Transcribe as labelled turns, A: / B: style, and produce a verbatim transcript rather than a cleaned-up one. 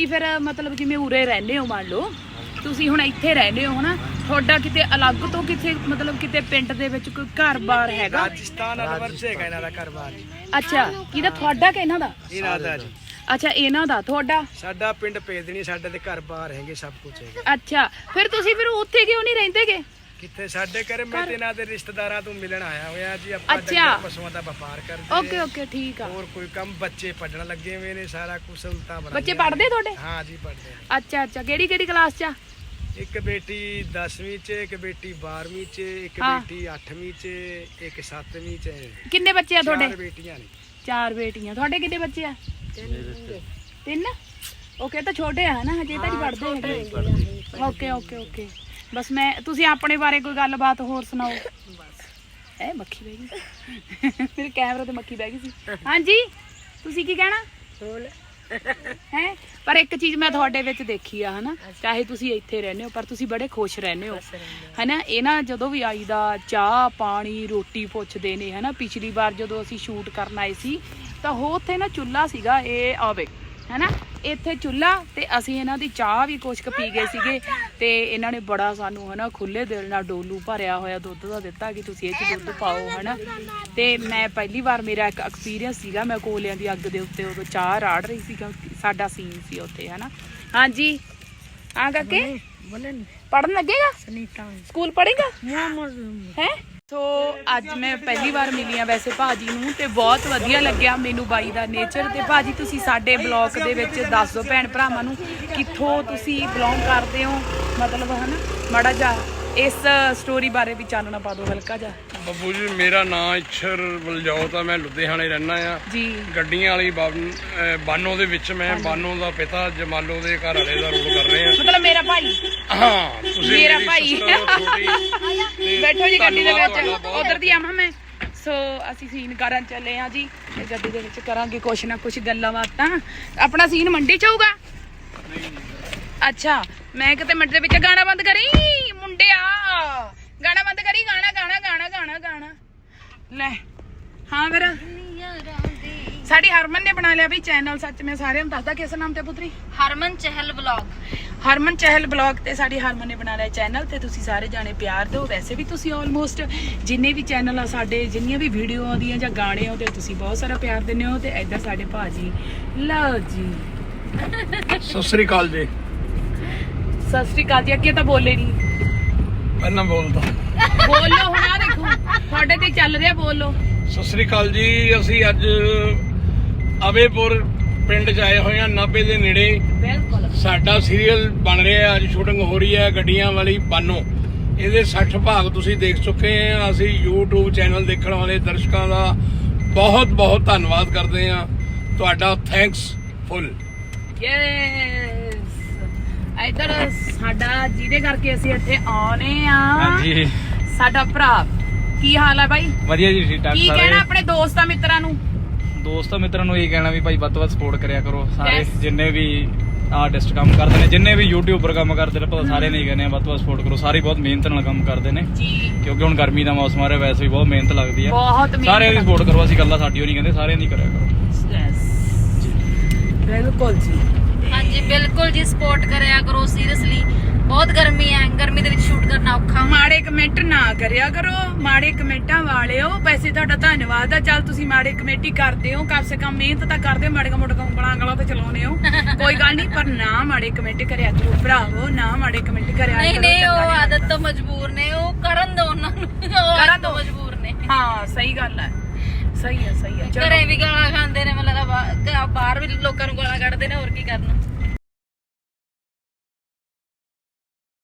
A: ਤੁਸੀਂ ਫਿਰ ਮਤਲਬ ਜਿਵੇਂ ਉਰੇ ਰਹਿੰਦੇ ਹੋ ਮੰਨ ਲਓ ਤੁਸੀਂ ਹੁਣ ਇੱਥੇ ਰਹਿੰਦੇ ਹੋ ਹਨਾ ਤੁਹਾਡਾ ਕਿਤੇ ਅਲੱਗ ਤੋਂ ਕਿਤੇ ਮਤਲਬ ਕਿਤੇ ਪਿੰਡ ਦੇ ਵਿੱਚ ਕੋਈ ਘਰ-ਬਾਰ ਹੈਗਾ?
B: ਰਾਜਸਥਾਨ ਅਲਵਰ ਚ ਹੈਗਾ ਇਹਨਾਂ ਦਾ ਘਰ-ਬਾਰ।
A: ਅੱਛਾ ਕਿਹਦਾ ਤੁਹਾਡਾ ਕਿ ਇਹਨਾਂ ਦਾ?
B: ਇਹਨਾਂ ਦਾ ਜੀ।
A: ਅੱਛਾ ਇਹਨਾਂ ਦਾ ਤੁਹਾਡਾ?
B: ਸਾਡਾ ਪਿੰਡ ਭੇਦਣੀ ਸਾਡੇ ਦੇ ਘਰ-ਬਾਰ ਹੈਗੇ ਸਭ ਕੁਝ ਹੈਗਾ।
A: ਅੱਛਾ ਫਿਰ ਤੁਸੀਂ ਫਿਰ ਉੱਥੇ ਕਿਉਂ ਨਹੀਂ ਰਹਿੰਦੇਗੇ?
B: ਕਿੱਥੇ ਸਾਡੇ ਘਰੇ ਮੈਂ ਤੇ ਇਹਨਾਂ ਦੇ ਰਿਸ਼ਤੇਦਾਰਾਂ ਤੋਂ ਮਿਲਣ ਆਇਆ ਹੋਇਆ ਜੀ। ਆਪਾਂ
A: ਅੱਛਾ
B: ਪਸ਼ੂਆਂ ਦਾ ਵਪਾਰ ਕਰਦੇ
A: ਓਕੇ ਓਕੇ ਠੀਕ ਆ।
B: ਹੋਰ ਕੋਈ ਕੰਮ ਬੱਚੇ ਪੜਨ ਲੱਗੇ ਹੋਏ ਨੇ ਸਾਰਾ ਕੁਝ ਸਹੂਲਤਾਂ ਬਣਾ
A: ਬੱਚੇ ਪੜ੍ਹਦੇ ਤੁਹਾਡੇ?
B: ਹਾਂ ਜੀ ਪੜ੍ਹਦੇ।
A: ਅੱਛਾ ਅੱਛਾ ਕਿਹੜੀ ਕਿਹੜੀ ਕਲਾਸ 'ਚ ਆ?
B: ਇੱਕ ਬੇਟੀ ਦਸਵੀਂ ਚ, ਇੱਕ ਬੇਟੀ ਬਾਰਵੀਂ ਚ, ਇੱਕ
A: ਹਾਂ।
B: ਬੇਟੀ ਅੱਠਵੀਂ ਚ, ਇੱਕ ਸੱਤਵੀਂ ਚ।
A: ਕਿੰਨੇ ਬੱਚੇ ਆ ਤੁਹਾਡੇ?
B: ਚਾਰ ਬੇਟੀਆਂ ਨੇ।
A: ਚਾਰ ਬੇਟੀਆਂ। ਤੁਹਾਡੇ ਕਿੰਨੇ ਬੱਚੇ ਆ? ਤਿੰਨ। ਓਕੇ ਤਾਂ ਛੋਟੇ ਆ ਨਾ ਹਜੇ ਤਾਂ ਨਹੀਂ ਪੜ੍ਹਦੇ ਹੈਗੇ। ਓਕੇ ਓਕੇ ਓਕੇ ਬਸ ਮੈਂ ਤੁਸੀਂ ਆਪਣੇ ਬਾਰੇ ਕੋਈ ਗੱਲਬਾਤ ਹੋਰ ਸੁਣਾਓ। ਬਸ ਇਹ ਮੱਖੀ ਬਹਿ ਗਈ ਮੇਰੇ ਕੈਮਰੇ ਤੇ ਮੱਖੀ ਬਹਿ ਗਈ ਸੀ। ਹਾਂਜੀ ਤੁਸੀਂ ਕੀ ਕਹਿਣਾ ਹੈ? ਪਰ ਇੱਕ ਚੀਜ਼ ਮੈਂ ਤੁਹਾਡੇ ਵਿੱਚ ਦੇਖੀ ਆ ਹਨਾ ਚਾਹੇ ਤੁਸੀਂ ਇੱਥੇ ਰਹਿੰਦੇ ਹੋ ਪਰ ਤੁਸੀਂ ਬੜੇ ਖੁਸ਼ ਰਹਿੰਦੇ ਹੋ ਹਨਾ। ਇਹ ਨਾ ਜਦੋਂ ਵੀ ਆਈਦਾ ਚਾਹ ਪਾਣੀ ਰੋਟੀ ਪੁੱਛਦੇ ਨੇ ਹਨਾ। ਪਿਛਲੀ ਵਾਰ ਜਦੋਂ ਅਸੀਂ ਸ਼ੂਟ ਕਰਨ ਆਏ ਸੀ ਤਾਂ ਉਹ ਉੱਥੇ ਨਾ ਚੁੱਲ੍ਹਾ ਸੀਗਾ ਇਹ ਆਵੇ ਹਨਾ ਇੱਥੇ ਚੁੱਲ੍ਹਾ ਤੇ ਅਸੀਂ ਇਹਨਾਂ ਦੀ ਚਾਹ ਵੀ ਕੁਛ ਕੁ ਪੀ ਗਏ ਸੀਗੇ ਤੇ ਇਹਨਾਂ ਨੇ ਬੜਾ ਸਾਨੂੰ ਹਨਾ ਖੁੱਲੇ ਦਿਲ ਨਾਲ ਡੋਲੂ ਭਰਿਆ ਹੋਇਆ ਦੁੱਧ ਦਾ ਦਿੱਤਾ ਕਿ ਤੁਸੀਂ ਇਹ 'ਚ ਦੁੱਧ ਪਾਓ ਹਨਾ। ਤੇ ਮੈਂ ਪਹਿਲੀ ਵਾਰ ਮੇਰਾ ਇੱਕ ਐਕਸਪੀਰੀਅੰਸ ਸੀਗਾ ਮੈਂ ਕੋਲਿਆਂ ਦੀ ਅੱਗ ਦੇ ਉੱਤੇ ਉਦੋਂ ਚਾਹ ਰਾੜ ਰਹੀ ਸੀ ਸਾਡਾ ਸੀਨ ਸੀ ਉੱਥੇ ਹਨਾ। ਹਾਂਜੀ ਆ ਕਾਕੇ ਪੜ੍ਹਨ ਲੱਗੇਗਾ? ਸਕੂਲ ਪੜ੍ਹੇਗਾ ਹੈ? ਸੋ ਅੱਜ ਮੈਂ ਪਹਿਲੀ ਵਾਰ ਮਿਲੀ ਆ ਵੈਸੇ ਭਾਜੀ ਨੂੰ ਤੇ ਬਹੁਤ ਵਧੀਆ ਲੱਗਿਆ ਮੈਨੂੰ ਬਾਈ ਦਾ ਨੇਚਰ। ਤੇ ਭਾਜੀ ਤੁਸੀਂ ਸਾਡੇ ਬਲੌਗ ਦੇ ਵਿੱਚ ਦੱਸ ਦਿਓ ਭੈਣ ਭਰਾਵਾਂ ਨੂੰ ਕਿੱਥੋਂ ਤੁਸੀਂ ਬਿਲੋਂਗ ਕਰਦੇ ਹੋ ਮਤਲਬ ਹਨਾ ਮਾੜਾ ਜਿਹਾ ਇਸ ਸਟੋਰੀ ਬਾਰੇ ਵੀ ਚਾਨਣਾ ਪਾ ਦਿਓ ਹਲਕਾ ਜਿਹਾ।
B: ਬੱਬੂ ਜੀ ਮੇਰਾ ਨਾਮ ਇੱਛਰ ਬਲਜੋਤ ਆ। ਮੈਂ ਲੁਧਿਆਣੇ ਰਹਿਣਾ ਆ ਜੀ। ਗੱਡੀਆਂ ਵਾਲੀ ਬਾਨੋ ਦੇ ਵਿੱਚ ਮੈਂ ਬਾਨੋ ਦਾ ਪਿਤਾ ਜਮਾਲੋ ਦੇ ਘਰ ਵਾਲੇ ਦਾ ਰੋਲ ਕਰ ਰਹੇ ਆ
A: ਮਤਲਬ ਮੇਰਾ ਭਾਈ।
B: ਹਾਂ ਤੁਸੀਂ
A: ਮੇਰਾ ਭਾਈ ਬੈਠੋ ਜੀ ਗੱਡੀ ਦੇ ਵਿੱਚ ਉਧਰ ਦੀ ਆਵਾਂ ਮੈਂ। ਸੋ ਅਸੀਂ ਸੀਨ ਕਰਨ ਚੱਲੇ ਆ ਜੀ ਤੇ ਗੱਡੀ ਦੇ ਵਿੱਚ ਕਰਾਂਗੇ ਕੁਛ ਨਾ ਕੁਛ ਗੱਲਾਂ ਬਾਤਾਂ। ਆਪਣਾ ਸੀਨ ਮੰਡੀ ਚ ਹੋਊਗਾ? ਅੱਛਾ ਮੈਂ ਕਿਤੇ ਮੰਡੀ ਦੇ ਵਿੱਚ ਗਾਣਾ ਬੰਦ ਕਰੀ ਮੁੰਡਿਆ ਗਾਣਾ ਬੰਦ ਕਰੀ ਗਾਣਾ ਗਾਣਾ ਗਾਣਾ ਗਾਣਾ ਗਾਣਾ ਲੈ। ਹਾਂ ਫਿਰ ਸਾਡੀ ਹਰਮਨ ਨੇ ਬਣਾ ਲਿਆ ਵੀ ਚੈਨਲ। ਸੱਚ ਮੈਂ ਸਾਰਿਆਂ ਨੂੰ ਦੱਸਦਾ ਕਿਸ ਨਾਮ ਤੇ ਪੁੱਤਰੀ?
C: ਹਰਮਨ ਚਹਿਲ ਬਲੌਗ।
A: ਹਰਮਨ ਚਹਿਲ ਬਲੌਗ ਤੇ ਸਾਡੀ ਹਰਮਨ ਨੇ ਬਣਾ ਲਿਆ ਚੈਨਲ ਤੇ ਤੁਸੀਂ ਸਾਰੇ ਜਾਣੇ ਪਿਆਰ ਦਿਓ। ਵੈਸੇ ਵੀ ਤੁਸੀਂ ਆਲਮੋਸਟ ਜਿੰਨੇ ਵੀ ਚੈਨਲ ਆ ਸਾਡੇ ਜਿੰਨੀਆਂ ਵੀ ਵੀਡੀਓ ਆਉਂਦੀਆਂ ਜਾਂ ਗਾਣੇ ਆਉਂਦੇ ਤੁਸੀਂ ਬਹੁਤ ਸਾਰਾ ਪਿਆਰ ਦਿੰਦੇ ਹੋ। ਤੇ ਇੱਧਰ ਸਾਡੇ ਭਾਜੀ ਲਓ ਜੀ
B: ਸਤਿ ਸ੍ਰੀ ਅਕਾਲ ਜੀ।
A: ਸਤਿ ਸ੍ਰੀ ਅਕਾਲ ਜੀ। ਅੱਗੇ ਤਾਂ ਬੋਲੇ ਨਹੀਂ
B: ਪਹਿਲਾਂ ਬੋਲਦਾ
A: ਬੋਲੋ ਹੁਣ ਆ ਦੇਖੋ ਤੁਹਾਡੇ ਤੇ ਚੱਲ ਰਿਹਾ ਬੋਲੋ।
B: ਸਤਿ ਸ੍ਰੀ ਅਕਾਲ ਜੀ। ਅਸੀਂ ਅੱਜ ਅਵੇਪੁਰ ਪਿੰਡ ਚ ਆਏ ਹੋਏ ਆ ਨਾਭੇ ਦੇ ਨੇੜੇ।
A: ਬਿਲਕੁਲ
B: ਸਾਡਾ ਸੀਰੀਅਲ ਬਣ ਰਿਹਾ ਅੱਜ ਸ਼ੂਟਿੰਗ ਹੋ ਰਹੀ ਹੈ ਗੱਡੀਆਂ ਵਾਲੀ ਬਾਨੋ। ਇਹਦੇ ਸੱਠ ਭਾਗ ਤੁਸੀਂ ਦੇਖ ਚੁੱਕੇ ਆ। ਅਸੀਂ YouTube ਚੈਨਲ ਦੇਖਣ ਵਾਲੇ ਦਰਸ਼ਕਾਂ ਦਾ ਬਹੁਤ ਬਹੁਤ ਧੰਨਵਾਦ ਕਰਦੇ ਆ ਤੁਹਾਡਾ। ਥੈਂਕਸ ਫੁੱਲ।
A: ਯੈਸ ਇੱਧਰ ਸਾਡਾ ਜਿਹਦੇ ਕਰਕੇ ਅਸੀਂ ਇੱਥੇ ਆਉਨੇ ਆ
D: ਹਾਂਜੀ
A: ਸਾਡਾ ਭਰਾ। ਕੀ ਹਾਲ ਹੈ ਬਾਈ?
D: ਵਧੀਆ ਜੀ ਠੀਕ ਠਾਕ।
A: ਕੀ ਕਹਿਣਾ ਆਪਣੇ ਦੋਸਤਾਂ ਮਿੱਤਰਾਂ ਨੂੰ?
D: ਦੋਸਤਾਂ ਮਿੱਤਰਾਂ ਨੂੰ ਇਹ ਕਹਿਣਾ ਵੀ ਭਾਈ ਵੱਧ ਤੋਂ ਵੱਧ ਸਪੋਰਟ ਕਰਿਆ ਕਰੋ। ਸਾਰੇ ਜਿੰਨੇ ਵੀ ਆਰਟਿਸਟ ਕੰਮ ਕਰਦੇ ਨੇ ਜਿੰਨੇ ਵੀ ਯੂਟਿਊਬਰ ਕੰਮ ਕਰਦੇ ਨੇ ਪਤਾ ਸਾਰੇ ਨਹੀਂ ਕਹਿੰਦੇ ਵੱਧ ਤੋਂ ਵੱਧ ਸਪੋਰਟ ਕਰੋ। ਸਾਰੇ ਬਹੁਤ ਮਿਹਨਤ ਨਾਲ ਕੰਮ ਕਰਦੇ ਨੇ
A: ਜੀ
D: ਕਿਉਂਕਿ ਹੁਣ ਗਰਮੀ ਦਾ ਮੌਸਮ ਆ ਰਿਹਾ ਵੈਸੇ ਵੀ ਬਹੁਤ ਮਿਹਨਤ ਲੱਗਦੀ ਹੈ।
A: ਬਹੁਤ
D: ਸਾਰਿਆਂ ਦੀ ਸਪੋਰਟ ਕਰੋ। ਅਸੀਂ ਗੱਲਾਂ ਸਾਡੀ ਉਹ ਨਹੀਂ ਕਹਿੰਦੇ ਸਾਰਿਆਂ ਦੀ ਕਰਿਆ ਕਰੋ।
A: ਯੈਸ ਬਿਲਕੁਲ ਜੀ।
C: ਹਾਂਜੀ ਬਿਲਕੁਲ ਜੀ ਸਪੋਰਟ ਕਰਿਆ ਕਰੋ। ਸੀਰੀਅਸਲੀ ਬਹੁਤ ਗਰਮੀ ਹੈ। ਗਰਮੀ ਦੇ ਵਿੱਚ ਸ਼ੂਟ ਕਰਨਾ ਔਖਾ।
A: ਮਾੜੇ ਕਮੈਂਟ ਨਾ ਕਰਿਆ ਕਰੋ। ਮਾੜੇ ਕਮੈਂਟਾਂ ਵਾਲਿਓ ਵੈਸੇ ਤੁਹਾਡਾ ਧੰਨਵਾਦ ਆ। ਚੱਲ ਤੁਸੀਂ ਮਾੜੇ ਕਮੇਟੀ ਕਰਦੇ ਹੋ ਕਮ ਸੇ ਕਮ ਮਿਹਨਤ ਤਾਂ ਕਰਦੇ ਹੋ। ਮਾੜੇ ਮੋਟੇ ਉਂਗਲਾਂ ਗਲਾਂ ਤੇ ਚਲਾਉਨੇ ਹੋ ਕੋਈ ਗੱਲ ਨਹੀਂ ਪਰ ਨਾ ਮਾੜੇ ਕਮੈਂਟ ਕਰਿਆ ਕਰੋ ਭਰਾਵੋ। ਨਾ ਮਾੜੇ ਕਮੈਂਟ ਕਰਿਆ
C: ਨਹੀਂ ਨਹੀਂ ਉਹ ਆਦਤ ਤੋਂ ਮਜਬੂਰ ਨੇ। ਉਹ ਕਰਨ ਦੋ ਉਹਨਾਂ ਨੂੰ। ਕਰਨ ਤੋਂ ਮਜਬੂਰ ਨੇ।
A: ਹਾਂ ਸਹੀ ਗੱਲ ਹੈ ਸਹੀ ਹੈ ਸਹੀ ਹੈ।
C: ਘਰੇ ਵੀ ਗਾਲਾਂ ਖਾਂਦੇ ਨੇ ਮਤਲਬ ਬਾਹਰ ਵੀ ਲੋਕਾਂ ਨੂੰ ਗਾਲਾਂ ਕੱਢਦੇ ਨੇ ਹੋਰ ਕੀ ਕਰਨਾ।